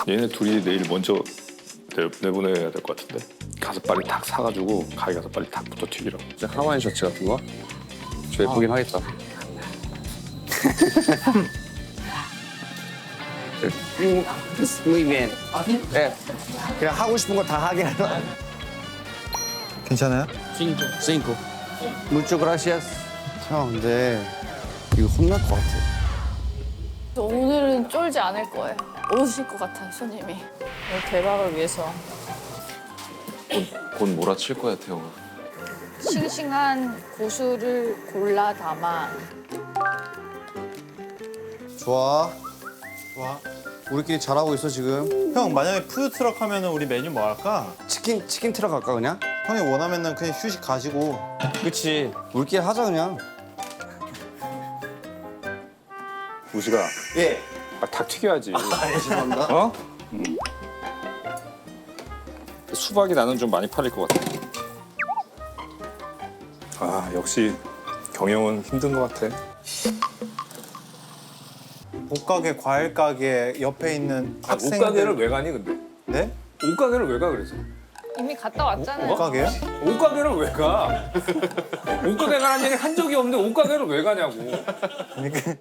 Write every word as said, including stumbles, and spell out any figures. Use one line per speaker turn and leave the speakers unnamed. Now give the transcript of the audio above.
얘네 둘이 내일 먼저 내, 내보내야 될 것 같은데. 가서 빨리 닭 사가지고 가게 가서 빨리 닭부터 튀기라고.
이제 하와이 셔츠 같은 거? 저 예쁘긴 하겠다.
Muy bien. 네. 그냥 하고 싶은 거 다 하게 하라.
괜찮아요?
Cinco. Muchas gracias. 형, 근데 이거 혼날 것 같아.
오늘은 쫄지 않을 거예요. 오실 것 같아요, 손님이. 오늘 대박을 위해서.
곧 몰아칠 거야, 태호가.
싱싱한 고수를 골라 담아.
좋아. 좋아. 우리끼리 잘하고 있어 지금.
형 만약에 푸드트럭 하면은 우리 메뉴 뭐 할까?
치킨 치킨 트럭 갈까 그냥?
형이 원하면은 그냥 휴식 가지고.
그렇지. 우리끼리 하자 그냥.
우지가
예.
아, 닭 튀겨야지.
죄송합니다.
어? 음. 수박이 나는 좀 많이 팔릴 것 같아. 아 역시 경영은 힘든 것 같아.
옷가게, 과일 가게 옆에 있는
아,
학생들.
옷가게를 왜 가니 근데?
네?
옷가게를 왜 가 그래서?
이미 갔다 왔잖아요.
옷가게요?
옷가게를 왜 가? 옷가게 가라는 얘기 한 적이 없는데 옷가게를 왜 가냐고.
그러니까